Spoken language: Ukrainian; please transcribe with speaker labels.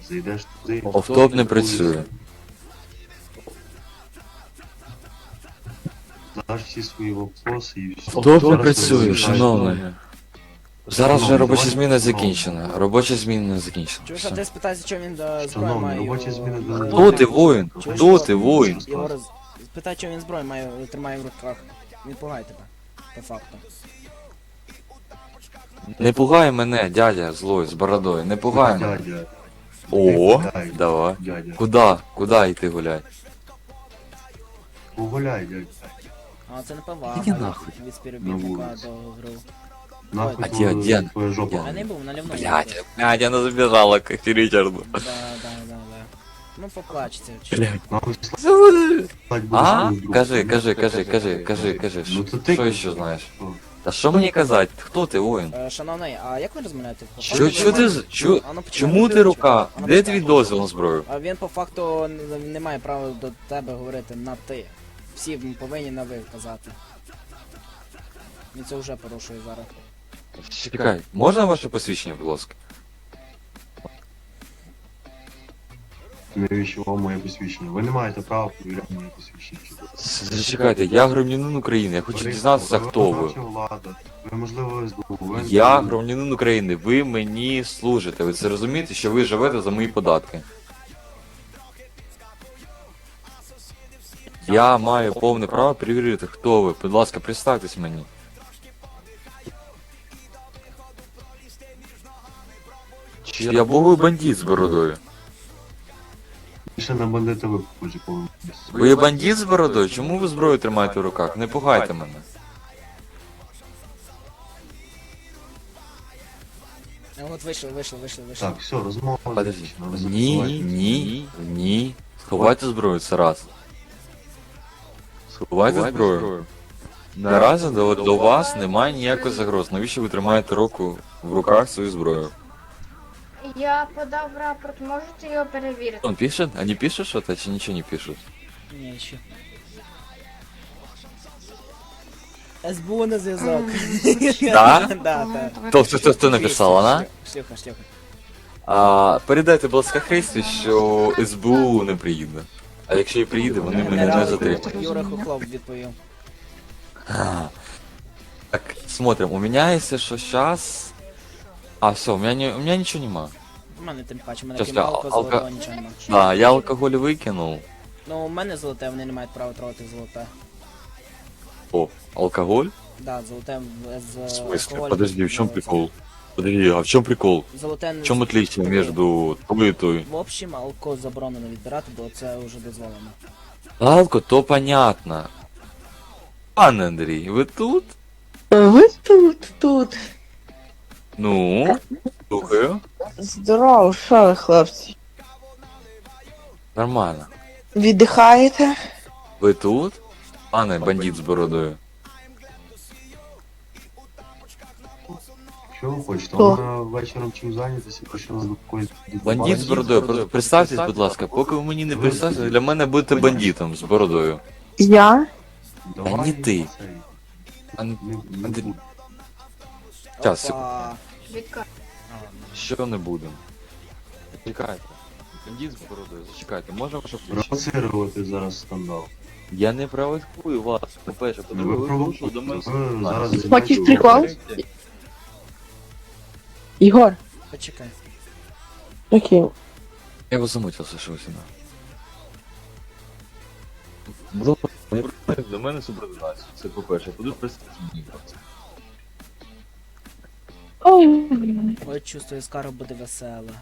Speaker 1: Зайдеш туди.
Speaker 2: Офтоп не працює.
Speaker 1: Даш всі свої вопроси і все.
Speaker 2: Офтоп не
Speaker 1: Зараз
Speaker 2: працює,
Speaker 1: розглядаєш.
Speaker 2: шановний. Зараз вже
Speaker 1: Шановний,
Speaker 2: робоча
Speaker 1: давай
Speaker 2: зміна
Speaker 1: спробуємо.
Speaker 2: закінчена. Робоча зміна не закінчена.
Speaker 3: Чуєш, а ти спитайся, чому він зброю
Speaker 1: Шановний,
Speaker 3: має?
Speaker 1: робочі зміни до неї.
Speaker 2: Хто ти, воїн? Хто ти, воїн?
Speaker 3: Єгор, спитай, чому він зброю має, тримає в руках. Він пугає тебе, по факту.
Speaker 2: Не пугай мене, дядя злой, з бородою, не пугай мене.
Speaker 1: Дядя,
Speaker 2: О, давай.
Speaker 1: дядя.
Speaker 2: Куда йти гулять?
Speaker 1: Погуляй, дядя.
Speaker 3: А це не повага.
Speaker 2: Іди нахуй.
Speaker 3: Від
Speaker 1: На
Speaker 3: співробітника
Speaker 1: вулиці.
Speaker 3: до гру.
Speaker 1: Нахуй
Speaker 2: А
Speaker 1: твою-
Speaker 2: дядя,
Speaker 1: твоя жопа.
Speaker 2: дядя.
Speaker 3: Я не був, наливно.
Speaker 2: Блядь, она забежала к Ричарду.
Speaker 3: Да. Ну поплачеться.
Speaker 1: Нахуй слать будеш
Speaker 2: А?
Speaker 1: свою другу.
Speaker 2: Кажи.
Speaker 1: Ну то ти
Speaker 2: Що ще знаєш?
Speaker 1: Що?
Speaker 2: Та що мені казати? Хто ти, воїн?
Speaker 3: Шановний, а як ви розмовляєте? По
Speaker 2: Що
Speaker 3: факту
Speaker 2: ти,
Speaker 3: ви-
Speaker 2: чо,
Speaker 3: А ну, почекай.
Speaker 2: чому ти рука?
Speaker 3: А ну,
Speaker 2: Де
Speaker 3: почекай.
Speaker 2: твій дозвіл на зброю?
Speaker 3: А він по факту не має права до тебе говорити на ти. Всі повинні на ви казати. Він це вже порушує зараз.
Speaker 2: Чекай, можна ваше посвідчення, будь ласка?
Speaker 1: Навіщо вам моє посвідчення? Ви не маєте права перевіряти моє посвідчення.
Speaker 2: Зачекайте, я громадянин України, я хочу дізнатися, хто ви.
Speaker 1: виконавча влада. Ви, можливо, СБУ. Ви
Speaker 2: Я
Speaker 1: СБУ.
Speaker 2: громадянин України, ви мені служите. Ви це розумієте, що ви живете за мої податки? Я маю повне право перевірити, хто ви. Будь ласка, представтесь мені. Чи я боговий бандит з бородою?
Speaker 1: Більше на бандита ви похожі повинні.
Speaker 2: Ви бандит з бородою? Чому ви зброю тримаєте в руках? Не пугайте мене.
Speaker 3: От вийшли.
Speaker 1: Так, все, розмова
Speaker 2: Подожди.
Speaker 1: закінчена. Ви
Speaker 2: Ні. Сховайте зброю, це раз. Сховайте зброю. Наразі до вас немає ніякої загроз. Навіщо ви тримаєте руку в руках свою зброю?
Speaker 4: Я подав рапорт, можете його перевірити?
Speaker 2: Он пишет? Они пишут что-то, чи ничего не пишут?
Speaker 3: Ні, ще. СБУ на зв'язок.
Speaker 2: Да?
Speaker 3: Да.
Speaker 2: Хто написав, вона?
Speaker 3: Шлюха.
Speaker 2: Передайте, будь ласка, Христі, що СБУ не приїде. А якщо і приїде, вони мене не затримають.
Speaker 3: Юра Хохлов відповів.
Speaker 2: Так, смотрим, у меня, если что, сейчас... А, все, у меня ничего нема.
Speaker 3: У мене тим паче, у мене
Speaker 2: Щас
Speaker 3: крім
Speaker 2: я
Speaker 3: алко, золотого нічого нема.
Speaker 2: Да, я алкоголь викинув.
Speaker 3: Ну, у мене золоте, вони не мають права трогати золоте.
Speaker 2: О, алкоголь?
Speaker 3: Да, золоте з
Speaker 2: В смысле?
Speaker 3: алкоголем
Speaker 2: Подожди, в чем
Speaker 3: відбувається.
Speaker 2: прикол? Подожди, а в чем прикол?
Speaker 3: Золоте
Speaker 2: В чем отличие между той и той?
Speaker 3: В общем, алко заборонено відбирати, бо це вже дозволено.
Speaker 2: Алко, то понятно. Пан Андрій, ви тут?
Speaker 5: Ви тут.
Speaker 2: Ну, слухаю.
Speaker 5: Здорово, що ви, хлопці?
Speaker 2: Нормально.
Speaker 5: Віддихаєте?
Speaker 2: Ви тут? Пане бандит з бородою.
Speaker 1: Що ви хочете?
Speaker 5: Хто?
Speaker 1: Вона вечором чим зайнятися, почали до якоїсь...
Speaker 2: Бандит з бородою. Представтесь, будь ласка, поки ви мені не представтесь, для мене будете бандитом з бородою.
Speaker 5: Я?
Speaker 1: Давай,
Speaker 2: Та не ти.
Speaker 1: цей,
Speaker 2: Ан-
Speaker 1: не
Speaker 2: Андрій.
Speaker 1: буду.
Speaker 2: Щас, секунду.
Speaker 3: Опа.
Speaker 4: Відка.
Speaker 2: Що не будемо? Чекайте. Бандит з бородою, зачекайте, можна ваше включення?
Speaker 1: Провоцирувати зараз скандал.
Speaker 2: Я не провокую вас. По-перше,
Speaker 1: Ви
Speaker 2: по-друге, ви вийшли до
Speaker 1: провокуєте.
Speaker 2: мене.
Speaker 1: Ви зараз...
Speaker 5: Хочеш
Speaker 1: займаєтесь-
Speaker 5: прикол? Ігор.
Speaker 3: Почекай.
Speaker 5: Окей.
Speaker 2: Я його замутився, що ви сюди. До мене субординацію, це по-перше. По-друге, мені.
Speaker 5: Ой.
Speaker 3: Ой, чувствую, скоро буде весело.